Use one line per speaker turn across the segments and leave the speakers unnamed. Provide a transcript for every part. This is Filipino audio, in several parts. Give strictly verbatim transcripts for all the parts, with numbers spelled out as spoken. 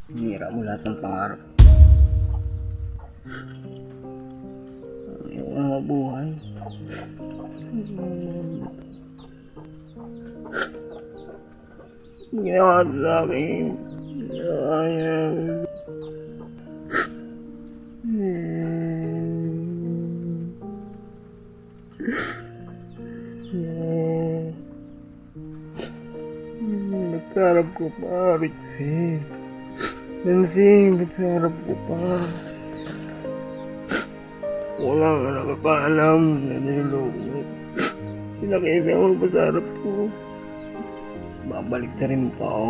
Hinira mo lahat ng pangarap. Ayaw na mabuhay. Ginawa sa akin. Ayaw. Ba't ko pa, Rixie? Nancy, ba't sa harap ko pa? Wala ka nakakaalam na niloloko mo. Pinakita mo pa sa harap ko. Babalik na rin pa ako.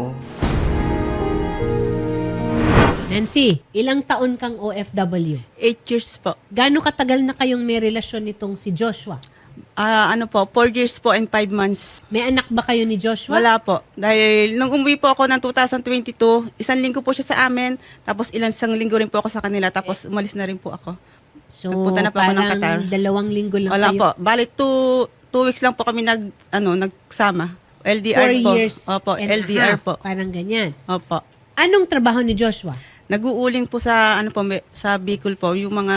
Nancy, ilang taon kang O F W?
Eight years po.
Gaano katagal na kayong may relasyon nitong si Joshua?
Ah, ano po, four years po and five months.
May anak ba kayo ni Joshua?
Wala po. Dahil nung umuwi po ako ng two thousand twenty-two, isang linggo po siya sa amin, tapos ilang isang linggo rin po ako sa kanila, tapos umalis na rin po ako.
So,
Nagpunta na po ako ng
parang
Qatar.
dalawang linggo lang
Wala
kayo.
po. Bali, two, two weeks lang po kami nag, ano, nagsama. L D R
Four
po.
years
Opo,
and
L D
a
R
half.
po.
Parang ganyan.
Opo.
Anong trabaho ni Joshua?
Nag-uuling po sa, ano po, may- sa Bicol po, yung mga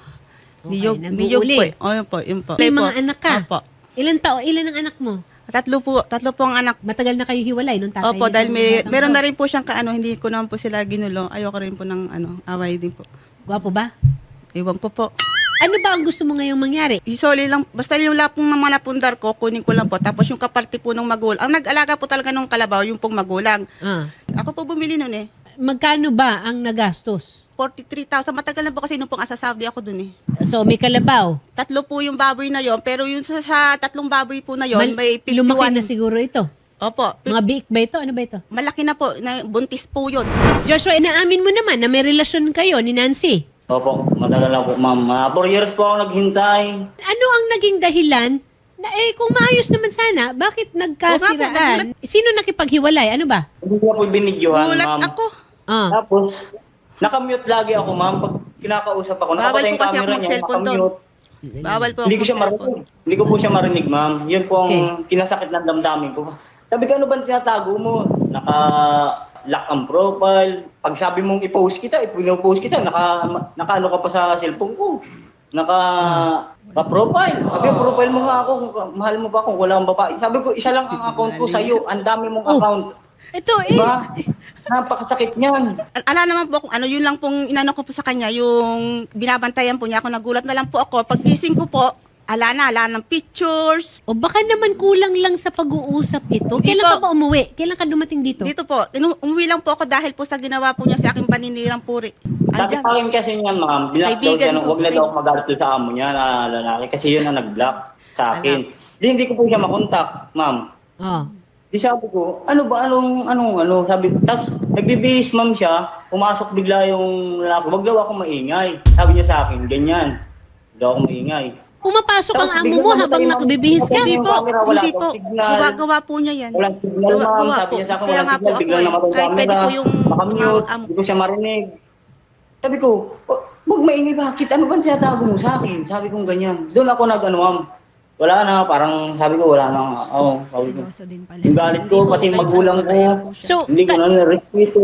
Okay,
niyog,
nag-uuling.
niyog po. eh. O, yun po, yun po.
May
Opo.
mga anak ka?
Opo.
Ilan tao? Ilan ang anak mo?
Tatlo po, tatlo po ang anak.
Matagal na kayo hiwalay nung tatay
Opo,
niyo
dahil
ang
may,
batang
meron
to.
na rin po siyang kaano, hindi ko naman po sila ginulo. Ayoko rin po ng ano, away din po.
Gwapo ba?
Iwan ko po.
Ano ba ang gusto mo ngayong mangyari?
Usually lang, basta yung lapong ng mga napundar ko, kunin ko lang po. Tapos yung kaparte po ng magulang. Ang nag-alaga po talaga ng kalabaw, yung pong magulang.
Ah.
Ako po bumili nun eh.
Magkano ba ang nagastos?
forty-three thousand. Matagal na po kasi nung pong asa Saudi ako dun eh.
So, may kalabaw.
Tatlo po yung baboy na yon, pero yung sa, sa tatlong baboy po na yon,
Mal-
may
lumaki
fifty-one.
na siguro ito.
Opo. pi-
Mga biik ba ito? Ano ba ito?
Malaki na po, na buntis po yun.
Joshua, inaamin mo naman na may relasyon kayo ni Nancy.
Opo, matagal na po, ma'am. Uh, four years po ako naghintay.
Ano ang naging dahilan na eh kung maayos naman sana, bakit nagkasiraan? Sino nakipaghiwalay? Ano ba?
Hindi ko po binidyohan,
Gulat
ma'am.
ako.
Ah.
Tapos, nakamute lagi ako, ma'am. Pag kinakausap ako,
Bawal
nakapatay
po
yung
kasi
camera
ako
niya,
mag-cellphone doon.
nakamute.
Bawal po
Hindi ko
ako
siya
mag-cellphone.
marinig. Hindi ko po siya marinig, ma'am. Yun po ang
Okay.
kinasakit ng damdamin ko. Sabi ko, ano ba tinatago mo? Naka-lock ang profile. Pag sabi mong i-post kita, i-post kita, naka, naka ano ka pa sa cellphone ko. Naka, naka profile. Sabi ko, profile mo nga ako. Kung mahal mo ba kung wala kang babae? Sabi ko, isa lang ang account ko sa'yo. Ang dami mong
Oh.
account.
Ito eh.
Diba? Napakasakit niyan.
Al- Ala naman po kung ano, yun lang pong inano ko po sa kanya, yung binabantayan po niya ako, nagulat na lang po ako. Pag gising ko po, ala na, ala ng pictures.
O baka naman kulang lang sa pag-uusap ito.
Hindi
Kailan
po.
ka ba umuwi? Kailan ka dumating dito?
Dito po, inu- umuwi lang po ako dahil po sa ginawa po niya sa aking paninirang puri.
Sabi
Andyan.
sa akin kasi niya, ma'am, binlock daw
Kaibigan
siya, nung
ko.
huwag na daw ako magalit sa amo niya na lalaki kasi yun ang nag-block sa akin. Di, hindi ko po siya makontak, ma'am.
Oh.
Di sabi ko, ano ba, anong, anong, ano, sabi, tas nagbibihis, ma'am siya, pumasok bigla yung lalaki, wag daw ako maingay. Sabi niya sa akin, ganyan, wag daw ako maingay.
Pumapasok ang
Tapos
amo
biglang
mo
namatay
habang
yung-
nagbibihis ka.
Hindi
Yung
po,
camera, wala
hindi
daw
po.
signal.
Gawa-gawa po niya yan.
Walang signal,
Gawa-
ma'am.
gawa
Sabi
po.
niya sa akin,
Kaya
walang
nga po
signal.
ako
Biglang
eh.
namatay yung
Kahit pwede
camera.
po yung
Makamute.
mga amo.
Hindi ko siya marinig. Sabi ko, "Wa- wag maingay, bakit? Ano ba tinatago mo sa akin? Sabi ko ganyan. Doon ako nag-ano, ma'am. Wala na, parang sabi ko, wala na. Oo, sabi ko.
Seryoso din pala.
Yung galit
Hindi
ko,
po,
pati
kahit
magulang ko.
mabait po siya.
So,
Hindi ko
ka-
na na-respeto.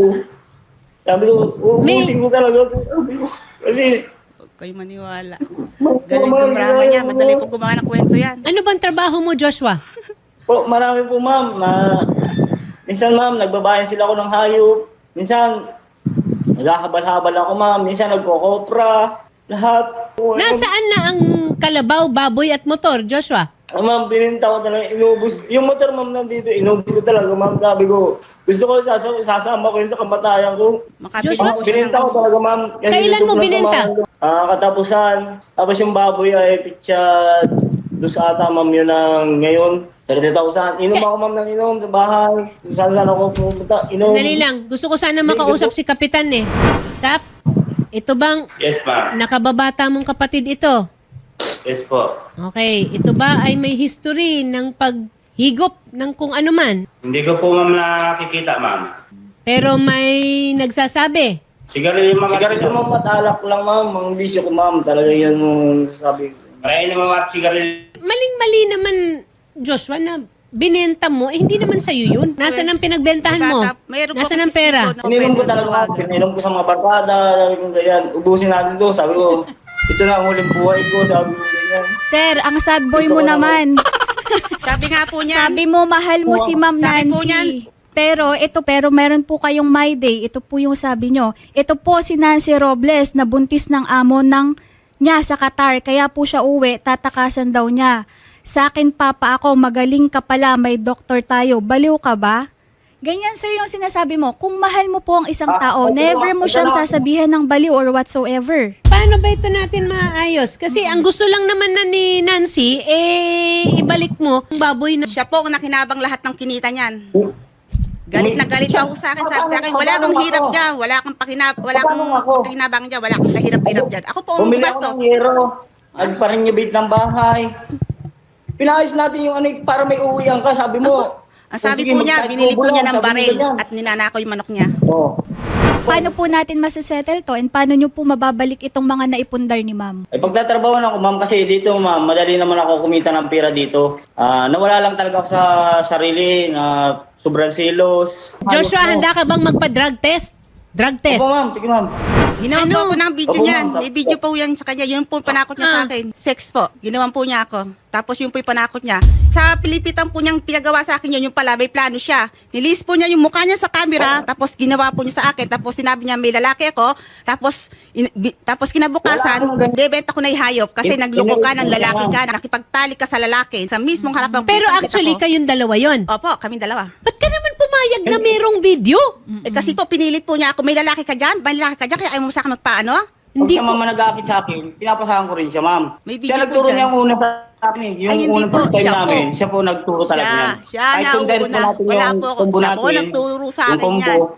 Sabi ko,
May-
uubusin ko talaga. Sabi ko, kasi,
Huwag kayo maniwala. Galing dumrama niya. Madali po gumawa ng kwento yan.
ano bang trabaho mo, Joshua?
po, marami po, ma'am. Na, minsan, ma'am, nagbabayan sila ako ng hayop. Minsan, naghahabal-habal ako, ma'am. Minsan, nagkokopra. Lahat. Po,
Nasaan na ang kalabaw, baboy at motor, Joshua?
Ah, ma'am, bininta ko talaga, inubos. Yung motor, ma'am, nandito, inubos ko talaga, ma'am. Sabi ko, gusto ko sasama, sasama ko yun sa kamatayan ko.
Makabili
Joshua?
po siya ng...
Bininta ko talaga, ma'am. Kasi
Kailan
gusto
mo
ko lang
bininta?
sumama. Ah, katapusan. Tapos yung baboy ay pitsa, dos ata, ma'am, yun ang ngayon. thirty thousand. Inom ako, ma'am, ng inom sa bahay. Kung saan saan ako pumunta, inom.
Sandali lang. Gusto ko sana makausap si Kapitan eh. Kap, ito bang
Yes, ma'am.
nakababata mong kapatid ito?
Yes po.
Okay. Ito ba ay may history ng paghigop ng kung ano man?
Hindi ko po ma'am nakikita ma'am.
Pero may nagsasabi.
Sigarilyo mga
Sigarilyo, ma'am, at alak lang, ma'am. Mga bisyo ko, ma'am. Talaga yan yung sabi ko.
Parehin naman mga sigarilyo.
Maling-mali naman, Joshua, na binenta mo, eh hindi naman sa'yo yun. Nasaan ang pinagbentahan mo?
Bata, mayroon po
Nasaan ang
akong
pera?
testigo na
Ininom ko
pwede
talaga,
tawagan.
pininom ko sa mga barkada, sabi ko ganyan, ubusin natin to, sabi ko, ito na ang huling buhay ko, sabi ko ganyan.
Sir, ang sad boy
Gusto
mo
ko
naman.
Sabi nga po niyan.
Sabi mo, mahal mo si Ma'am
Sabi po
Nancy.
niyan.
Pero ito, pero meron po kayong my day. Ito po yung sabi nyo. Ito po si Nancy Robles na buntis ng amo ng niya sa Qatar. Kaya po siya uwi, tatakasan daw niya. Sa akin, papa ako, magaling ka pala, may doktor tayo. Baliw ka ba? Ganyan, sir, yung sinasabi mo. Kung mahal mo po ang isang
Ah,
tao,
ito
never
na,
mo
ito
siyang
na.
sasabihan ng baliw or whatsoever.
Paano ba ito natin maayos? Kasi ang gusto lang naman na ni Nancy, eh, ibalik mo ang baboy na...
Siya po ang nakinabang lahat ng kinita niyan. Galit na galit pa ako sa akin. Sabi sa akin, wala kang hirap dyan. Wala kang pakinab, wala kang pakinabang dyan. Wala kang kahirap-hirap dyan. Ako po ang
Bumili ako
gumastos.
ng hero, at parang renovate ng bahay. Pinayos natin yung ano, para may uwian ka, sabi mo.
Ang sabi
Sige,
po niya,
mag-type
binili
ko
po niya
lang,
ng
sabi mo
baril
ganyan.
at ninanakaw yung manok niya.
Oo.
Paano po natin masasettle to and paano nyo po mababalik itong mga naipundar ni ma'am?
Ay pagtatrabaho ako, ma'am, kasi dito, ma'am, madali naman ako kumita ng pera dito. Ah, nawala lang talaga ako sa sarili na sobrang silos.
Joshua,
Ayos mo.
handa ka bang magpa-drug test? Drug test.
Opo, ma'am. Sige, ma'am.
Ginawan
Ano?
po ako ng video
Opo,
niyan.
ma'am.
May video po yan sa kanya. Yun po yung panakot niya sa
Ah.
akin. Sex po. Ginawan po niya ako. Tapos yun po yung panakot niya. Sa pilipitan po niyang pinagawa sa akin yun, yung pala may plano siya. Nilis po niya yung mukha niya sa camera, tapos ginawa po niya sa akin. Tapos sinabi niya may lalaki ako. Tapos in, bi- tapos kinabukasan,
Wala akong ganun.
bebenta ko na ihayop kasi
In-
nagloko ka ng
in-
lalaki ka, nakipagtali ka sa lalaki. Sa mismong harap ng
Pero
kitang-kita
actually,
ko.
kayong dalawa yon.
Opo, kami dalawa.
Ba't ka naman pumayag na merong video?
Eh, kasi po pinilit po niya ako, may lalaki ka dyan, may lalaki ka dyan, kaya ayaw mo sa akin magpaano?
Hindi
Hindi
siya
ko...
mama nag-aakit sa akin, pinapasahan ko rin siya, ma'am.
May video
Siya
po
nagturo
dyan.
niya yung una sa akin eh. Yung
Ay, hindi
unang
po,
first time
siya po.
namin, siya po nagturo talaga
Siya,
niyan.
siya
Kahit
na
kung dahil
una.
natin
Wala
yung
po ako.
combo
Siya po
natin,
nagturo sa
yung
akin
combo.
yan.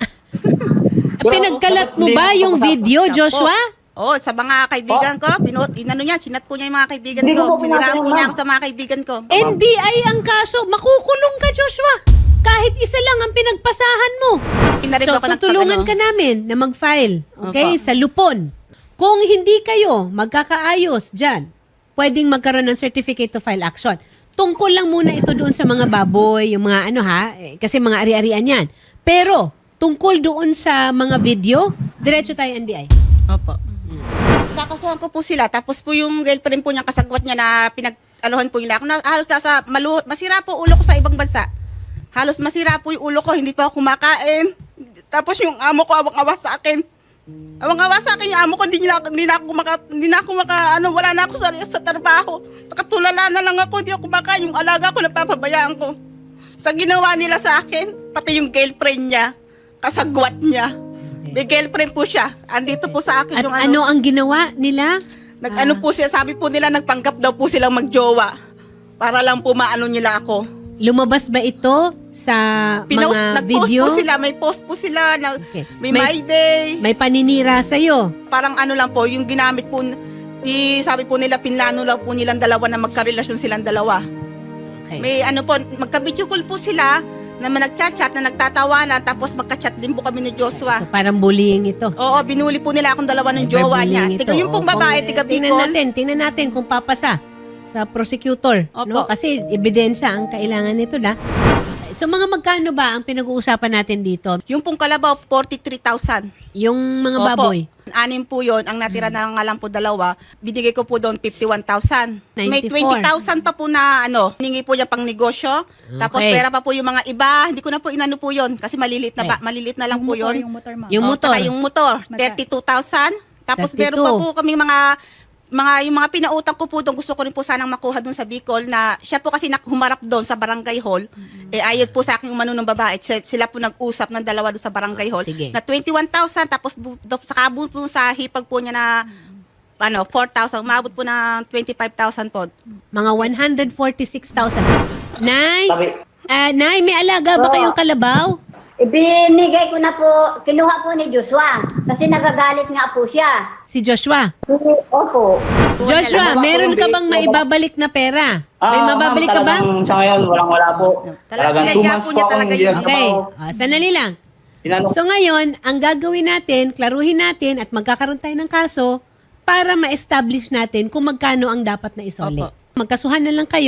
Pero,
Pinagkalat mo
hindi
ba
ako
yung
kasama.
video,
Siya
Joshua?
po. Oh, sa mga kaibigan ko, pino, inano niya, sinat po niya yung mga kaibigan
Hindi ko
ko.
po
Piniraan
pinasa
po
yan,
niya
ma'am.
ako sa mga kaibigan ko.
N B I ang kaso. Makukulong ka, Joshua. Kahit isa lang ang pinagpasahan mo.
Pinarin
So,
ko ng
tutulungan
pag-ano.
ka namin na mag-file. Okay?
Opo.
Sa Lupon. Kung hindi kayo magkakaayos dyan, pwedeng magkaroon ng certificate to file action. Tungkol lang muna ito doon sa mga baboy, yung mga ano ha, eh, kasi mga ari-arian yan. Pero, tungkol doon sa mga video, diretso tayo N B I.
Opo. Kakasuhan ko po sila, tapos po yung girlfriend po niya, kasagwat niya na pinag-alohan po nila ako. Na, halos nasa, malu, masira po ulo ko sa ibang bansa. Halos masira po yung ulo ko, hindi pa ako kumakain. Tapos yung amo ko, awang-awa sa akin. Awang-awa sa akin yung amo ko, hindi na, hindi na ako maka, hindi na ako maka, ano, wala na ako sa, sa trabaho. Nakatulala na lang ako, hindi ako kumakain. Yung alaga ko, napapabayaan ko. Sa ginawa nila sa akin, pati yung girlfriend niya, kasagwat niya. May girlfriend po siya. Andito po sa akin
At
yung
ano ang ginawa nila?
Nag-ano po siya, sabi po nila, nagpanggap daw po silang magjowa. Para lang po maano nila ako.
Lumabas ba ito sa
Pinost,
mga
nag-post
video?
po sila, may post po sila, na,
Okay.
may,
May-
my day.
May paninira sa'yo.
Parang ano lang po, yung ginamit po, i, sabi po nila, pinlano lang po nilang dalawa na magkarelasyon silang dalawa.
Okay.
May ano po, magka-video call po sila, na nagchat-chat, na nagtatawanan, tapos magka-chat din po kami ni Joshua.
So, parang bullying ito.
Oo, binuli po nila akong dalawa ng jowa niya.
Cyberbullying
Tiga
ito.
yung pong
O,
babae,
kung,
tiga
eh, Tingnan
Bicol.
natin, tingnan natin kung papasa sa prosecutor.
Opo.
No? Kasi ebidensya ang kailangan nito na. So mga magkano ba ang pinag-uusapan natin dito?
Yung pong kalabaw, forty-three thousand.
Yung mga
Opo.
baboy?
Anim po yun. Ang natira na nga lang po dalawa. Binigay ko po doon fifty-one thousand. May
ninety-four.
twenty thousand pa po na ano, hiningi po niya pang negosyo. Tapos
Okay.
pera pa po yung mga iba. Hindi ko na po inano po yun. Kasi maliliit na, ba,
Okay.
maliliit na lang
Yung
po
motor,
yun.
yung motor, ma'am.
Yung
Oh,
motor?
tsaka yung motor,
Magka-
thirty-two thousand. Tapos
thirty-two.
meron pa po kaming mga mga yung mga pinautang ko po doon, gusto ko rin po sanang makuha doon sa Bicol na siya po kasi nak- humarap doon sa barangay hall. Eh ayod po sa akin yung manunong babae. Sila, sila po nag-usap ng dalawa doon sa barangay hall.
Sige.
Na twenty-one thousand tapos bu- do- sa kabuto sa hipag po niya na ano, four thousand. Umabot po ng twenty-five thousand po.
Mga one hundred forty-six thousand. Nay,
Sabi,
ah, Nay, may alaga ba
Oo.
kayong kalabaw?
Ibinigay ko na po, kinuha po ni Joshua kasi nagagalit nga po siya.
Si Joshua.
Opo.
Joshua,
Wala
meron
po,
ka
hindi.
bang maibabalik na pera? May
ah,
mababalik
ma'am,
ka ba?
talagang Sa ngayon, walang-wala po.
Talagang
Talagang two
sinadya
months
po
po
niya
akong
talaga
hindi
yun.
Okay.
nagtrabaho.
Ah, sanali lang.
Tinanong
So ngayon, ang gagawin natin, klaruhin natin at magkakaroon tayo ng kaso para ma-establish natin kung magkano ang dapat na isole.
Opo.
Magkasuhan na lang kayo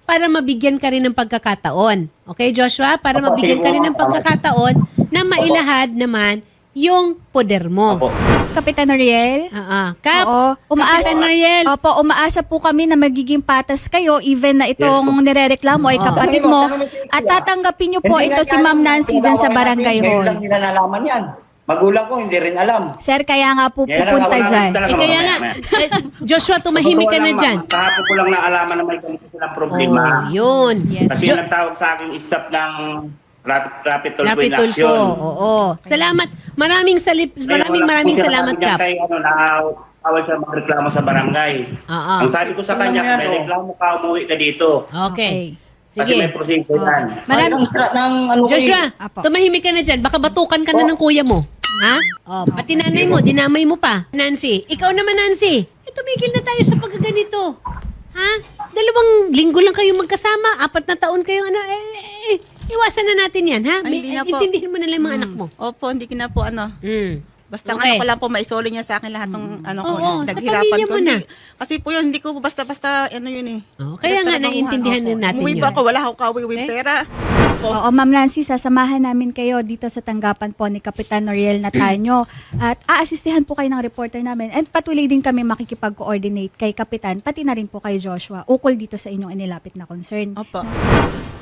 para mabigyan ka rin ng pagkakataon. Okay, Joshua? Para
Opo,
mabigyan ka
sige
rin
po.
ng pagkakataon na mailahad naman yung poder mo.
Opo.
Kapitan Ariel?
Oo. Kap,
Oo, umaasa,
Kapitan Ariel.
Opo, umaasa po kami na magiging patas kayo even na itong
Yes po.
nirereklamo ay
Oo.
kapatid
Tanungin mo,
mo
tanungin mo sila.
at tatanggapin niyo po
Hindi
ito
nga
si
yan
Ma'am
yung
Nancy dyan sa
ginawa
barangay
natin. Ngayon
hall.
lang nila nalaman yan. Magulang ko, hindi rin alam.
Sir, kaya nga po
Yan ang
pupunta
wala
dyan.
talaga,
Eh, kaya
mamaya,
nga,
mamaya.
eh, Joshua, tumahimik ka
Totoo
na
lang,
dyan.
ma'am. Kahapon ko lang naalaman na may ganito silang problema.
Oh, yun.
Yes.
Kasi
Jo-
nagtawag sa akin staff ng Rapid, rapid Tulfo
Rapid
in
Tulfo.
Action.
Oo. Salamat. Maraming salip,
Kaya
maraming
wala
maraming
po siya
salamat,
sabi niya
Kap.
Kay, ano, naawal siya magreklamo sa barangay.
Oo.
Ang sabi ko sa
Ano
kanya,
yan,
may
oh?
reklamo ka, umuwi ka dito.
Okay.
Kasi
Sige.
may proseso yan.
Marami-
Ang sira ng ano ko
Joshua,
eh.
Apo.
tumahimik ka na dyan. Baka batukan ka na ng kuya mo. Ha? Oh, pati nanay mo, dinamay mo pa. Nancy, ikaw naman, Nancy. Eh, tumigil na tayo sa pagkaganito. Ha? Dalawang linggo lang kayo magkasama. Apat na taon kayong ano. Eh, eh, eh, iwasan na natin yan, ha?
Ay,
May,
hindi na po.
intindihin mo na lang yung mga anak mo.
Opo, hindi ko na po ano.
Mm.
Basta
Okay.
ano ko lang po maisoli niya sa akin lahat ng ano ko,
Oo,
yung
sa
naghirapan
pamilya
ko.
mo na.
Hindi- Kasi po yun, hindi ko po basta-basta ano yun eh.
Oh, kaya nga,
Pinagtrabahuhan.
naiintindihan
Opo.
din natin
Umuwi
yun.
pa ako, wala akong kawiwing
Okay.
pera. Opo.
Oo, Ma'am Nancy, sasamahan namin kayo dito sa tanggapan po ni Kapitan Noriel Nataño at aasistihan po kayo ng reporter namin and patuloy din kami makikipag-coordinate kay Kapitan, pati na rin po kay Joshua, ukol dito sa inyong inilapit na concern.
Opo.